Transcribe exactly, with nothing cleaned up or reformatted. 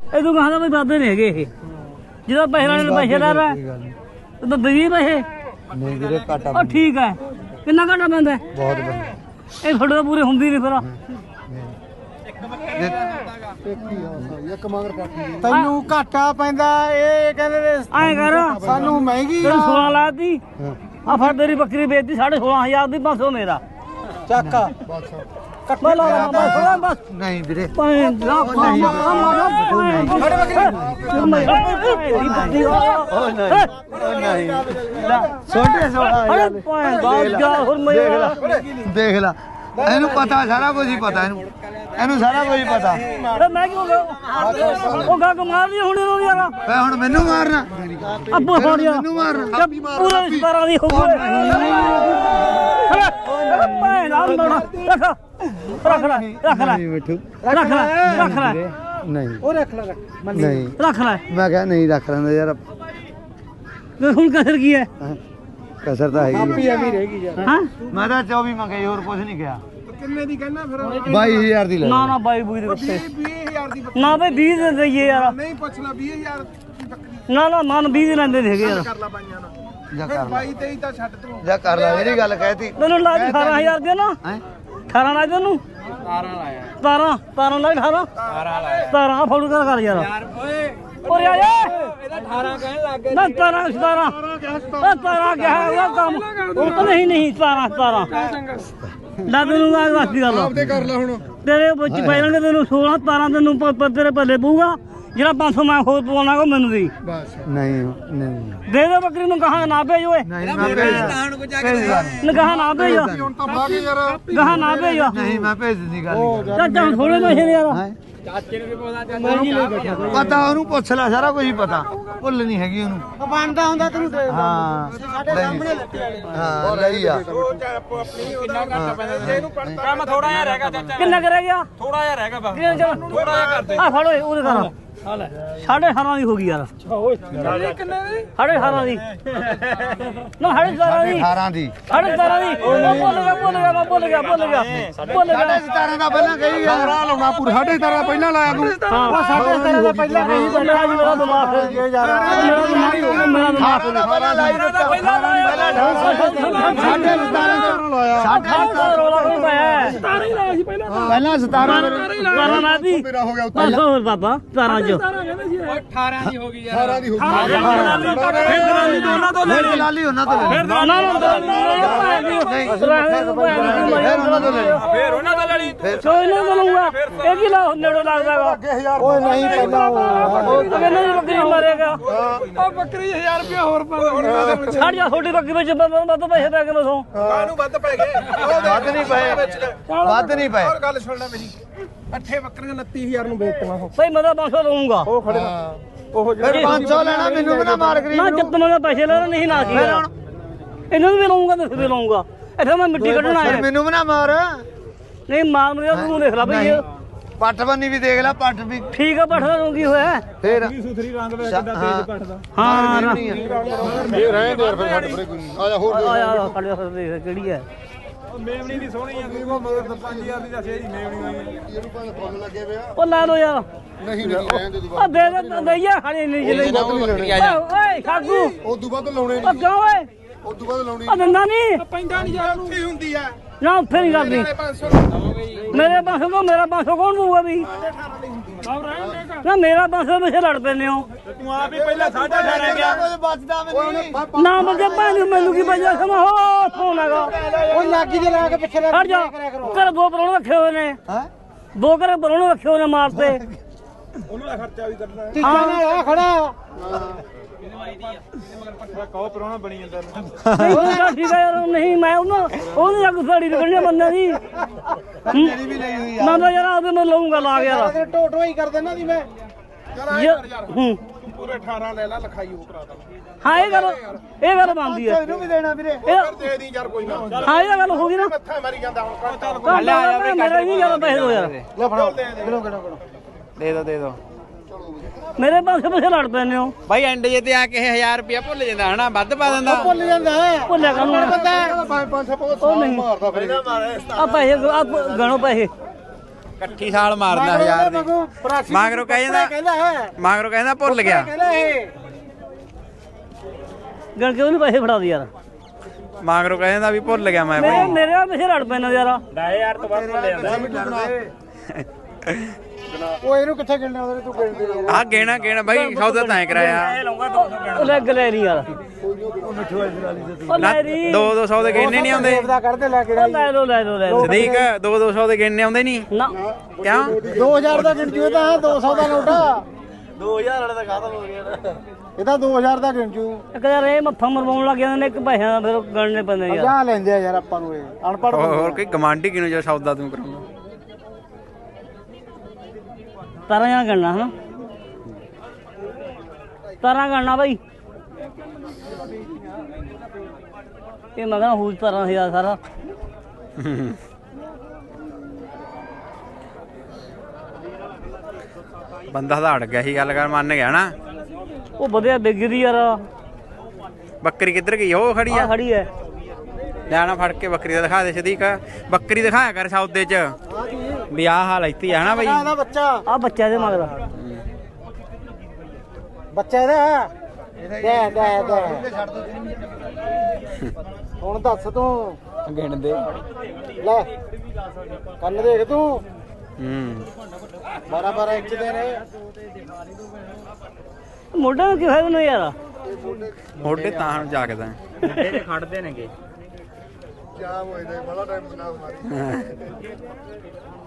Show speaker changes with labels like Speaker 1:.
Speaker 1: ਇਹ ਤੂੰ ਕਹਾਂ ਵੀ ਵਾਧੇ ਨਹੀਂ ਹੈਗੇ ਇਹ ਜਦੋਂ ਪੈਸੇ ਲੈਣੇ ਪੈਸੇਦਾਰ ਹੈ ਤੇ ਵੀਹ ਪੈਸੇ
Speaker 2: ਨਹੀਂ ਵੀਰੇ ਘਾਟਾ
Speaker 1: ਉਹ ਠੀਕ ਹੈ ਕਿੰਨਾ ਘਾਟਾ ਪੈਂਦਾ
Speaker 2: ਬਹੁਤ ਬੰਦਾ
Speaker 1: ਇਹ ਤੁਹਾਡੇ ਤਾਂ ਪੂਰੇ ਹੁੰਦੀ ਨਹੀਂ ਫਿਰ
Speaker 2: ਤੈਨੂੰ ਘਾਟਾ ਪੈਂਦਾ ਇਹ ਕਹਿੰਦੇ ਨੇ
Speaker 1: ਐਂ ਕਰ
Speaker 2: ਸਾਨੂੰ ਮਹਿੰਗੀ
Speaker 1: ਤੈਨੂੰ ਸੋਲਾਂ ਲਾਤੀ ਆ ਫੜ ਤੇਰੀ ਬੱਕਰੀ ਵੇਚਦੀ ਸਾਢੇ ਸੋਲਾਂ ਹਜ਼ਾਰ ਦੀ ਪੰਜ ਸੌ ਮੇਰਾ
Speaker 2: ਚੱਕ
Speaker 1: ਮੈਂ ਲਾ ਲਾ ਬਸ ਬਸ
Speaker 2: ਨਹੀਂ ਵੀਰੇ
Speaker 1: ਪੰਜ ਲੱਖ
Speaker 2: ਨਹੀਂ ਛੋਟੇ ਸੋਲਾ ਦੇਖ ਲੈ ਇਹਨੂੰ ਪਤਾ ਸਾਰਾ ਕੁਝ ਹੀ ਪਤਾ ਇਹਨੂੰ ਇਹਨੂੰ ਸਾਰਾ ਕੁਝ ਹੀ ਪਤਾ
Speaker 1: ਮੈਂ ਕਿਉਂ ਉਹ ਗਾ ਮਾਰ ਲਈ ਹੁਣ ਇਹਨੂੰ ਯਾਰ
Speaker 2: ਵੇ ਹੁਣ ਮੈਨੂੰ ਮਾਰਨਾ
Speaker 1: ਅੱਬੂ ਹੋ ਗਿਆ
Speaker 2: ਮੈਨੂੰ ਮਾਰਨਾ
Speaker 1: ਪੂਰਾ ਸਤਾਰਾਂ ਦੀ ਹੋ ਗਈ ਮੈਂ ਨਾਲ ਬਣਾ ਰੱਖ ਲੈ ਰੱਖ ਲੈ
Speaker 2: ਮਿੱਠੂ
Speaker 1: ਰੱਖ ਲੈ ਰੱਖ ਲੈ
Speaker 2: ਨਹੀਂ
Speaker 1: ਉਹ ਰੱਖ ਲੈ
Speaker 2: ਨਹੀਂ
Speaker 1: ਰੱਖ ਲੈ
Speaker 2: ਮੈਂ ਕਿਹਾ ਨਹੀਂ ਰੱਖ ਲੈਂਦਾ ਯਾਰ
Speaker 1: ਹੁਣ ਕਸਰ ਕੀ ਹੈ
Speaker 2: ਕਸਰ ਤਾਂ ਹੈਗੀ
Speaker 1: ਐਵੇਂ ਰਹੇਗੀ ਯਾਰ ਹਾਂ
Speaker 2: ਮੈਂ ਤਾਂ ਚੌਵੀ ਮੰਗੇ ਹੋਰ ਕੁਝ ਨਹੀਂ ਕਿਹਾ
Speaker 3: ਕਿੰਨੇ ਦੀ ਕਹਿਣਾ ਫਿਰ
Speaker 2: ਬਾਈ ਹਜ਼ਾਰ ਦੀ ਲੈ
Speaker 1: ਨਾ ਨਾ ਬਾਈ ਬੂਈ ਦੇ ਉੱਤੇ
Speaker 3: ਵੀਹ ਹਜ਼ਾਰ ਦੀ
Speaker 1: ਨਾ ਬਈ ਵੀਹ ਦੇ ਦਈਏ ਯਾਰ
Speaker 3: ਨਹੀਂ ਪੁੱਛ ਲੈ ਵੀਹ ਹਜ਼ਾਰ ਦੀ ਬੱਕਰੀ
Speaker 1: ਨਾ ਨਾ ਮਨ ਵੀਹ ਦੇ ਲੈਂਦੇ ਹੈਗੇ ਯਾਰ
Speaker 3: ਕਰ ਲਾ ਬਾਈਆਂ ਨਾਲ
Speaker 2: ਜਾ
Speaker 3: ਫਿਰ
Speaker 2: ਕਰ ਲੈ
Speaker 3: ਬਾਈ ਤੇਈ ਤਾਂ ਛੱਡ ਤੂੰ
Speaker 2: ਜਾ ਕਰ ਲੈ ਮੇਰੀ ਗੱਲ ਕਹਿਤੀ
Speaker 1: ਤੈਨੂੰ ਲਾ ਦੇ ਅਠਾਰਾਂ ਹਜ਼ਾਰ ਦੇ ਨਾ
Speaker 2: ਹੈ
Speaker 1: ਅਠਾਰਾਂ ਲਾ ਦੇ ਤੈਨੂੰ
Speaker 3: ਸਤਾਰਾਂ ਲਾਇਆ
Speaker 1: ਸਤਾਰਾਂ ਸਤਾਰਾਂ ਲਾ ਅਠਾਰਾਂ
Speaker 3: ਸਤਾਰਾਂ ਲਾਇਆ
Speaker 1: ਸਤਾਰਾਂ ਫੋਲੋ ਕਰ ਕਰ ਯਾਰ
Speaker 3: ਯਾਰ ਓਏ
Speaker 1: ਓਏ ਆ ਜਾ
Speaker 3: ਇਹਦਾ ਅਠਾਰਾਂ ਕਹਿਣ ਲੱਗ ਗਏ
Speaker 1: ਨਾ ਸਤਾਰਾਂ ਸਤਾਰਾਂ ਉਹ ਸਤਾਰਾਂ ਕਿਹਾ ਉਹ ਕੰਮ ਉਹ ਤਾਂ ਨਹੀਂ ਨਹੀਂ ਸਤਾਰਾਂ ਸਤਾਰਾਂ ਲਾ ਤੈਨੂੰ ਆ ਵਾਸਤੀ ਗੱਲ
Speaker 3: ਆਪਦੇ ਕਰ ਲੈ ਹੁਣ
Speaker 1: ਤੇਰੇ ਵਿੱਚ ਪੈ ਜਾਣਗੇ ਤੈਨੂੰ ਸੋਲਾਂ ਸਤਾਰਾਂ ਤੈਨੂੰ ਪ- ਪ- ਤੇਰੇ ਪੱਲੇ ਪਊਗਾ ਜਿਹੜਾ ਪੰਜ ਸੌ ਮੈਂ ਹੋਰ ਪਵਾਉਣਾ ਕੋ ਮੈਨੂੰ ਦੀ
Speaker 3: ਬਸ
Speaker 2: ਨਹੀਂ ਨਹੀਂ
Speaker 1: ਦੇ ਦੇ ਬੱਕਰੀ ਨੂੰ ਕਹਾ ਨਾ ਭੇਜ ਓਏ
Speaker 2: ਨਹੀਂ ਮੈਂ ਭੇਜ
Speaker 1: ਨਗਾਹ ਨਾ ਭੇਜ
Speaker 3: ਹੁਣ ਤਾਂ ਬਾਗ ਯਾਰ
Speaker 1: ਗਾਹ ਨਾ ਭੇਜ
Speaker 2: ਨਹੀਂ ਮੈਂ ਭੇਜ ਦਿੰਦੀ ਗੱਲ ਨਹੀਂ
Speaker 1: ਚਾਚਾ ਹੁਣ ਥੋੜੇ ਪੈਸੇ ਨੇ ਯਾਰ
Speaker 2: ਹੈ
Speaker 3: ਚਾਚੇ ਨੂੰ ਵੀ ਪਤਾ ਚਾਚਾ
Speaker 2: ਪਤਾ ਉਹਨੂੰ ਪੁੱਛ ਲੈ ਸਾਰਾ ਕੁਝ ਹੀ ਪਤਾ ਭੁੱਲ ਨਹੀਂ ਹੈਗੀ ਉਹਨੂੰ
Speaker 1: ਉਹ ਬਣਦਾ ਹੁੰਦਾ ਤੈਨੂੰ ਦੇ
Speaker 2: ਹਾਂ ਸਾਡੇ ਸਾਹਮਣੇ ਹਾਂ ਲਈ ਆ
Speaker 3: ਉਹ ਆਪਣੀ ਕਿੰਨਾ ਘੱਟ ਪੈਂਦਾ ਇਹਨੂੰ ਕੰਮ ਥੋੜਾ ਜਿਹਾ ਰਹਿ ਗਿਆ ਚਾਚਾ
Speaker 1: ਕਿੰਨਾ ਕਰ ਗਿਆ
Speaker 3: ਥੋੜਾ ਜਿਹਾ ਰਹਿ ਗਿਆ ਬਸ
Speaker 1: ਕਿੰਨਾ ਚੱਲ
Speaker 3: ਥੋੜਾ ਜਿਹਾ ਕਰਦੇ
Speaker 1: ਆ ਫੜ ਓਏ ਉਹਦੇ ਕਰ ਸਾਢੇ ਅਠਾਰਾਂ ਦੀ ਹੋ ਗਈ ਯਾਰ
Speaker 3: ਕਿੰਨੇ ਦੀ
Speaker 1: ਸਾਢੇ ਅਠਾਰਾਂ ਦੀ ਨਾ ਸਾਢੇ ਸਤਾਰਾਂ ਦੀ
Speaker 2: ਅਠਾਰਾਂ ਦੀ
Speaker 1: ਸਾਢੇ ਸਤਾਰਾਂ ਦੀ ਉਹ ਭੁੱਲ ਗਿਆ ਭੁੱਲ ਗਿਆ ਮੈਂ ਭੁੱਲ ਗਿਆ ਭੁੱਲ ਗਿਆ ਭੁੱਲ ਗਿਆ
Speaker 2: ਸਾਢੇ ਸਤਾਰਾਂ ਦਾ ਪਹਿਲਾਂ ਕਹੀ ਗਿਆ
Speaker 3: ਸਤਾਰਾਂ ਲਾਉਣਾ ਪੂਰਾ ਸਾਢੇ ਸਤਾਰਾਂ ਪਹਿਲਾਂ ਲਾਇਆ ਤੂੰ
Speaker 1: ਉਹ ਸਾਢੇ ਸਤਾਰਾਂ ਦਾ ਪਹਿਲਾਂ ਨਹੀਂ ਪਹਿਲਾਂ ਅੱਜ ਮੇਰਾ ਦਿਮਾਗ ਖੇਡ ਗਿਆ ਯਾਰ ਮੇਰਾ ਦਿਮਾਗ ਮੇਰਾ ਦਿਮਾਗ
Speaker 2: ਪਹਿਲਾਂ ਲਾਈ ਦਿੱਤਾ ਪਹਿਲਾਂ ਸਾਢੇ ਸਤਾਰਾਂ ਦਾ ਲਾਇਆ
Speaker 1: ਸਾਢੇ ਸਤਾਰਾਂ ਰੋਲਾ ਕੋਈ ਪਾਇਆ ਸਤਾਰਾਂ ਹੀ ਲਾਇਆ ਸੀ ਪਹਿਲਾਂ
Speaker 2: ਪਹਿਲਾਂ ਸਤਾਰਾਂ
Speaker 1: ਸਤਾਰਾਂ ਨਾ ਦੀ
Speaker 3: ਮੇਰਾ ਹੋ ਗਿਆ
Speaker 1: ਬਸ ਹੋਰ ਬਾਬਾ ਸਤਾਰਾਂ ਚ
Speaker 3: ਅਠਾਰਾਂ ਦੀ ਹੋ ਗਈ ਯਾਰ ਅਠਾਰਾਂ ਦੀ ਹੋ
Speaker 2: ਫਿਰ ਦੋਨਾਂ ਤੋਂ ਲੈ ਲਾਲੀ ਉਹਨਾਂ ਤੋਂ ਲੈ
Speaker 1: ਨਾ ਨਾ ਨਾ
Speaker 2: ਨਹੀਂ ਫਿਰ ਉਹਨਾਂ ਤੋਂ ਲੈ
Speaker 3: ਫੇਰ ਉਹਨਾਂ ਦਾ ਲੜੀ
Speaker 1: ਸੋਈ ਨਾ ਬਣੂਗਾ ਇਹ ਕੀ ਲਾ ਨੇੜੋ ਲੱਗਦਾਗਾ
Speaker 2: ਓਏ ਨਹੀਂ ਪਹਿਲਾਂ
Speaker 1: ਉਹ ਕਹਿੰਦੇ ਨੇ ਬੱਕਰੀ ਮਾਰੇਗਾ
Speaker 3: ਉਹ ਬੱਕਰੀ ਹਜ਼ਾਰ ਰੁਪਇਆ ਹੋਰ ਪਾ
Speaker 1: ਛੱਡ ਜਾ ਛੋਟੀ ਬੱਕਰੀ ਵਿੱਚ ਵੱਧ ਪੈਸੇ ਪੈ ਗਏ ਮਸੋਂ
Speaker 3: ਕਾਹਨੂੰ ਵੱਧ ਪੈ ਗਏ
Speaker 2: ਵੱਧ ਨਹੀਂ ਪਏ ਵੱਧ ਨਹੀਂ ਪਏ
Speaker 3: ਹੋਰ ਗੱਲ ਸੁਣ ਲੈ ਮੇਰੀ ਅੱਠੇ ਬੱਕਰੀਆਂ ਉਨੱਤੀ ਹਜ਼ਾਰ ਨੂੰ ਵੇਚਤੀਆਂ ਉਹ
Speaker 1: ਭਾਈ ਮੈਂ ਤਾਂ ਪੰਜ ਸੌ ਲਊਂਗਾ
Speaker 3: ਉਹ ਖੜੇ ਉਹ
Speaker 2: ਫਿਰ ਪੰਜ ਸੌ ਲੈਣਾ ਮੈਨੂੰ ਵੀ ਨਾ ਮਾਰ ਗਰੀ
Speaker 1: ਨਾ ਜੱਤ ਮੈਂ ਪੈਸੇ ਲੈਣਾ ਨਹੀਂ ਨਾ ਕੀ ਇਹਨਾਂ ਨੂੰ ਵੀ ਲਊਂਗਾ ਤੇ ਵੀ ਲਊਂਗਾ ਇੱਥੇ ਮੈਂ ਮਿੱਟੀ ਕੱਢਣਾ
Speaker 2: ਫਿਰ
Speaker 1: ਹੈ
Speaker 2: ਮੈਨੂੰ ਵੀ ਨਾ ਮਾਰ
Speaker 1: ਨਹੀਂ ਮਾਰ ਮਰਿਆ ਤੂੰ ਦੇਖ ਲੈ ਭਈ
Speaker 2: ਪੱਟ ਬੰਨੀ ਵੀ ਦੇਖ ਲੈ ਪੱਟ ਵੀ
Speaker 1: ਠੀਕ ਆ ਪੱਠਾ ਨੂੰ ਕੀ ਹੋਇਆ
Speaker 2: ਫਿਰ
Speaker 3: ਸੁਥਰੀ ਰੰਗ ਦਾ ਕਿੱਦਾਂ ਤੇਜ਼ ਪੱਟਦਾ
Speaker 1: ਹਾਂ ਨਾ
Speaker 3: ਇਹ ਰਹਿ ਦੇ ਫਿਰ ਸਾਡੇ ਪਰੇ ਕੋਈ ਆ ਜਾ ਹੋਰ
Speaker 1: ਆ ਯਾਰ ਸਾਡੇ ਹੱਥ ਦੇਖ ਕਿਹੜੀ ਹੈ
Speaker 3: ਮੇਵਣੀ ਦੀ ਸੋਹਣੀ ਆ ਉਹ ਮਗਰ ਪੰਜ ਹਜ਼ਾਰ ਦੀ ਦੱਸਿਆ ਜੀ ਮੇਵਣੀ ਹੋਈ ਇਹਨੂੰ ਭਾਵੇਂ ਫੁੱਲ ਲੱਗੇ ਪਿਆ
Speaker 1: ਉਹ ਲਾ ਲੋ ਯਾਰ
Speaker 3: ਨਹੀਂ ਨਹੀਂ ਰਹਿਣ ਦੇ
Speaker 1: ਆ ਦੇ ਦੇ ਦਈਆ ਖਾਣੀ ਨਹੀਂ ਜਿਲੇ ਓਏ ਖਾਗੂ
Speaker 3: ਉਸ ਤੋਂ ਬਾਅਦ ਲਾਉਣੇ
Speaker 1: ਉਹ ਕਿਉਂ ਓਏ
Speaker 3: ਉਸ ਤੋਂ ਬਾਅਦ ਲਾਉਣੀ
Speaker 1: ਆ ਦੰਦਾ ਨਹੀਂ
Speaker 3: ਪੈਂਦਾ ਨਹੀਂ ਯਾਰ ਉੱਥੇ ਹੁੰਦੀ ਆ
Speaker 1: ਨਾ ਉੱਥੇ ਨਹੀਂ ਕਰਦੀ
Speaker 3: ਪੰਜ ਸੌ
Speaker 1: ਮੇਰੇ ਪੰਜ ਸੌ ਕੋ ਮੇਰਾ ਪੰਜ ਸੌ ਕੌਣ ਦਊਗਾ ਵੀ ਨਾ ਮੇਰਾ ਪੰਜ ਸੌ ਪਿੱਛੇ ਲੜ ਪੈਨੇ ਹੋ
Speaker 3: ਤੂੰ ਆਪ ਹੀ ਪਹਿਲਾਂ ਸਾਢੇ ਅਠਾਰਾਂ ਗਿਆ
Speaker 2: ਕੁਝ ਬਚਦਾ ਮੈਨੂੰ
Speaker 1: ਨਾ ਬੱਜੇ ਭਾਂ ਮੈਨੂੰ ਕੀ ਬਜਾ ਸਮਾ ਹੋ ਫੋਨ ਹੈਗਾ
Speaker 2: ਉਹ ਲਾਗੀ ਦੇ ਲਾ ਕੇ ਪਿੱਛੇ
Speaker 1: ਹਟ ਜਾ ਕਰ ਦੋ ਪਰੋਣੇ ਰੱਖੇ ਹੋਏ ਨੇ
Speaker 2: ਹੈ
Speaker 1: ਦੋ ਕਰ ਪਰੋਣੇ ਰੱਖੇ ਹੋਏ ਨੇ ਮਾਰਤੇ
Speaker 3: ਉਹਨੂੰ ਦਾ ਖਰਚਾ ਵੀ ਕਰਨਾ
Speaker 2: ਟੀਚਾ ਨਾਲ ਆ ਖੜਾ
Speaker 3: ਕਹੋ ਪਰੋਣਾ ਬਣੀ ਜਾਂਦਾ
Speaker 1: ਨਹੀਂ ਉਹ ਠੀਕ ਹੈ ਯਾਰ ਨਹੀਂ ਮੈਂ ਉਹਨਾਂ ਉਹਨੇ ਜਾ ਗੁਸਾੜੀ ਨਿਕਲਣੀ ਬੰਦੇ ਦੀ
Speaker 2: ਮੇਰੀ ਵੀ ਲਈ ਹੋਈ
Speaker 1: ਨਾ ਤਾਂ ਯਾਰ ਆਪੇ ਮੈਂ ਲਊਂਗਾ ਲਾ ਕੇ ਯਾਰ
Speaker 2: ਟੋਟੋ ਹੀ ਕਰ ਦੇਣਾ ਦੀ ਮੈਂ
Speaker 3: ਚਲ ਆਏ
Speaker 1: ਯਾਰ,
Speaker 3: ਕਰ ਯਾਰ
Speaker 1: ਹੂੰ
Speaker 3: ਤੂੰ ਪੂਰੇ ਅਠਾਰਾਂ ਲੈ ਲੈ ਲਿਖਾਈ ਉਹ ਕਰਾ ਦਾਂ
Speaker 1: ਹਾਂ ਇਹ ਗੱਲ ਇਹ ਗੱਲ ਬਣਦੀ ਹੈ
Speaker 2: ਇਹਨੂੰ ਵੀ ਦੇਣਾ ਵੀਰੇ
Speaker 1: ਇਹ
Speaker 3: ਦੇ ਦੀ ਯਾਰ ਕੋਈ ਨਾ
Speaker 1: ਹਾਂ ਇਹ ਗੱਲ ਹੋ ਗਈ ਨਾ
Speaker 3: ਮੱਥਾ ਮਾਰੀ ਜਾਂਦਾ ਹੁਣ ਚੱਲ
Speaker 1: ਕੱਲ ਆ ਜਾ ਮੇਰੇ ਨਹੀਂ ਜ਼ਿਆਦਾ ਪੈਸੇ ਦੋ ਯਾਰ
Speaker 2: ਲੈ ਫੜੋ ਕਿਲੋ ਕਿਲੋ ਕਿਲੋ
Speaker 4: ਦੇ ਦੋ ਦੇ ਦੋ
Speaker 1: ਮੇਰੇ ਪਾਸੇ ਪਿੱਛੇ ਲੜ ਪੈਨੇ ਹੋ
Speaker 4: ਬਾਈ ਐਂਡ ਜੇ ਤੇ ਆ ਕੇ ਹਜ਼ਾਰ ਰੁਪਇਆ ਭੁੱਲ ਜਾਂਦਾ ਹਨਾ ਵੱਧ ਪਾ ਦਿੰਦਾ
Speaker 2: ਭੁੱਲ ਜਾਂਦਾ
Speaker 1: ਭੁੱਲਿਆ ਕਾਨੂੰ
Speaker 3: ਪੰਜ ਪੰਜ ਸੌ ਬਹੁਤ ਮਾਰਦਾ ਫਿਰ
Speaker 1: ਆ ਪੈਸੇ ਆ ਗਣੋ ਪੈਸੇ
Speaker 4: ਇਕੱਠੀ ਸਾਲ ਮਾਰਦਾ ਹਜ਼ਾਰ ਦੀ ਮਗਰੋਂ ਕਹਿ ਜਾਂਦਾ ਮਗਰੋਂ ਕਹਿੰਦਾ ਭੁੱਲ ਗਿਆ
Speaker 1: ਗਣ ਕੇ ਉਹਨੂੰ ਪੈਸੇ ਫੜਾ ਦੇ ਯਾਰ
Speaker 4: ਮਗਰੋਂ ਕਹਿ ਜਾਂਦਾ ਵੀ ਭੁੱਲ ਗਿਆ ਮੈਂ
Speaker 1: ਮੇਰੇ ਮੇਰੇ ਆ ਪਿੱਛੇ ਲੜ ਪੈਣਾ ਯਾਰ
Speaker 3: ਦਸ ਹਜ਼ਾਰ ਤੋਂ ਵੱਧ ਲੈ ਜਾਂਦਾ
Speaker 2: ਉਹ ਇਹਨੂੰ ਕਿੱਥੇ ਗਿਣਨਾ ਉਹਦੇ ਤੂੰ ਗਿਣਦੇ
Speaker 4: ਆ ਗੇਣਾ ਗੇਣਾ ਬਾਈ ਸੌਦਾ ਤਾਂ ਕਰਾਇਆ
Speaker 1: ਉਹ ਲੈ ਗਲੇ ਨਹੀਂ ਯਾਰ ਉਹ ਲੈ ਦੀ
Speaker 4: ਦੋ ਦੋ ਸੌ ਦੇ ਗੇਣੇ ਨਹੀਂ ਆਉਂਦੇ
Speaker 2: ਕੱਢਦੇ ਲੈ ਕੇ
Speaker 1: ਉਹ ਲੈ ਲੋ ਲੈ ਲੋ ਲੈ ਲੋ
Speaker 4: ਸਦੀਕ ਦੋ ਦੋ ਸੌ ਦੇ ਗੇਣੇ ਆਉਂਦੇ ਨਹੀਂ
Speaker 1: ਨਾ
Speaker 4: ਕਿਉਂ
Speaker 2: ਦੋ ਹਜ਼ਾਰ ਦਾ ਗਿਣ ਜੂ ਤਾਂ ਦੋ ਸੌ ਦਾ ਨੋਟਾ
Speaker 1: ਦੋ ਹਜ਼ਾਰ ਵਾਲੇ ਦਾ ਖਤਮ ਹੋ ਗਿਆ
Speaker 2: ਇਹ ਤਾਂ ਦੋ ਹਜ਼ਾਰ ਦਾ ਗਿਣ ਜੂ
Speaker 1: ਇੱਕ ਯਾਰ ਇਹ ਮੱਥਾ ਮਰਵਾਉਣ ਲੱਗ ਜਾਂਦੇ ਨੇ ਇੱਕ ਪੈਸਿਆਂ ਦਾ ਫਿਰ ਗਣਨੇ ਪੈਂਦੇ ਯਾਰ
Speaker 2: ਜਾ ਲੈਂਦੇ ਆ ਯਾਰ ਆਪਾਂ ਨੂੰ ਇਹ ਅਨਪੜ੍ਹ
Speaker 4: ਹੋਰ ਕੋਈ ਗਮਾਂਡੀ ਕਿਨੂੰ ਜੋ ਸੌਦਾ ਤੂੰ ਕਰਾਉਂਦਾ
Speaker 1: ਤਾਰਾਂ ਜਾਂ ਗਣਨਾ ਹਨਾ ਤਾਰਾਂ ਗਣਨਾ ਬਾਈ ਇਹ ਮੈਂ ਕਹਿੰਦਾ ਹੂਜ ਤਾਰਾਂ ਹਜ਼ਾਰ ਸਾਰਾ
Speaker 4: ਬੰਦਾ ਤਾਂ ਅੜ ਗਿਆ ਸੀ ਗੱਲ ਕਰ ਮੰਨ ਗਿਆ ਨਾ
Speaker 1: ਉਹ ਵਧੀਆ ਵਿਗਦੀ ਯਾਰ
Speaker 4: ਬੱਕਰੀ ਕਿੱਧਰ ਗਈ ਉਹ ਖੜੀ
Speaker 1: ਆ
Speaker 4: ਆ
Speaker 1: ਖੜੀ ਐ
Speaker 4: ਲੈਣਾ ਫੜ ਕੇ ਬੱਕਰੀ ਦਾ ਦਿਖਾ ਦੇ ਸਦੀਕ ਬੱਕਰੀ ਦਿਖਾਇਆ ਕਰ ਸੌਦੇ ਚ ਵੀ ਆਹ ਹਾਲ ਇੱਥੇ ਆ ਨਾ ਬਾਈ
Speaker 2: ਇਹਦਾ ਬੱਚਾ
Speaker 1: ਆ ਬੱਚਾ ਦੇ ਮਗਰ
Speaker 2: ਬੱਚਾ ਇਹਦਾ ਦੇ ਦੇ ਦੇ ਹੁਣ ਦੱਸ ਤੂੰ
Speaker 4: ਗਿਣ ਦੇ
Speaker 2: ਲੈ ਕੰਨ ਦੇਖ ਤੂੰ
Speaker 4: ਹੂੰ
Speaker 2: ਬਾਰਾਂ ਬਾਰਾਂ ਇੰਚ ਦੇ ਨੇ
Speaker 1: ਮੋਢੇ ਨੂੰ ਕੀ ਹੋਇਆ ਤੈਨੂੰ ਯਾਰ
Speaker 4: ਮੋਢੇ ਤਾਂ ਹੁਣ ਜਾਗਦਾ
Speaker 3: ਮੁੰਡੇ ਖੜਦੇ ਨੇਗੇ
Speaker 2: ਜਾਮ ਹੋਏ ਨੇ ਬੜਾ ਟਾਈਮ ਜਨਾਬ ਮਾਰੀ